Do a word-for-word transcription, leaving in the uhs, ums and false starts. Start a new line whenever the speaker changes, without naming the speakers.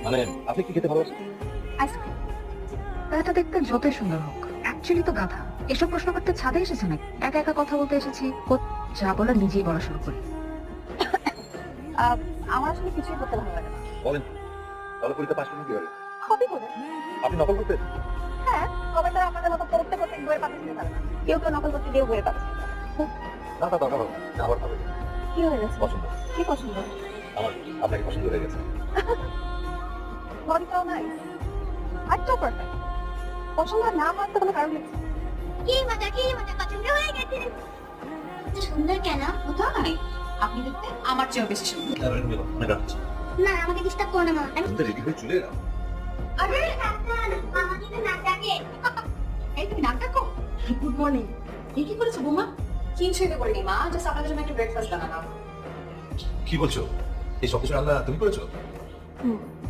মানে আপনি কি খেতে ভালোবাসেন?
আইসক্রিম। এটা দেখতে যতই সুন্দর হোক, অ্যাকচুয়ালি তো গাধা। এসব প্রশ্ন করতে ছাদে এসেছে নাকি? একা একা কথা বলতে এসেছি, কো- যা বলা নিজেই বলা শুরু করি। আহ, আমার আসলে কিছুই করতে ভালো লাগে না।
বলেন, তাহলে পরীক্ষা পাশ করবেন কিভাবে?
হবি করে।
আপনি নকল করতেন?
হ্যাঁ, তবে তারা আমাদের মতো পড়তে পড়তে বইয়ের পাতা ছিঁড়ে ফেলে না। কেউ কেউ নকল করতে দিয়েও বইয়ের পাতা ছিঁড়ে ফেলে।
না তা দরকার হবে না, আবার ভালো
কি হয়ে গেছে?
পছন্দ।
কি পছন্দ?
আমার আপনাকে পছন্দ হয়ে গেছে।
বডিটাও নাইস, হাইটটাও পারফেক্ট। পছন্দ না হওয়ার তো কোনো কারণ নেই।
কি মজা কি মজা পছন্দ হয়ে গেছে। এত সুন্দর কেন?
কোথায়? আপনি দেখতে আমার চেয়েও বেশি সুন্দর।
অনেক রাত হচ্ছে।
না আমাকে ডিস্টার্ব করো না মামা। আমি
আমি তো রেডি হয়ে চলে এলাম।
আরে কাকান মামা কিন্তু নাক ডাকে।
এই তুমি নাক ডাকো? Good morning. এই কি করেছো বৌমা? কিছুই করিনি মা, জাস্ট আপনাদের জন্য একটু ব্রেকফাস্ট বানালাম।
কি বলছো? এই সব কিছু রান্না তুমি করেছো?
হুম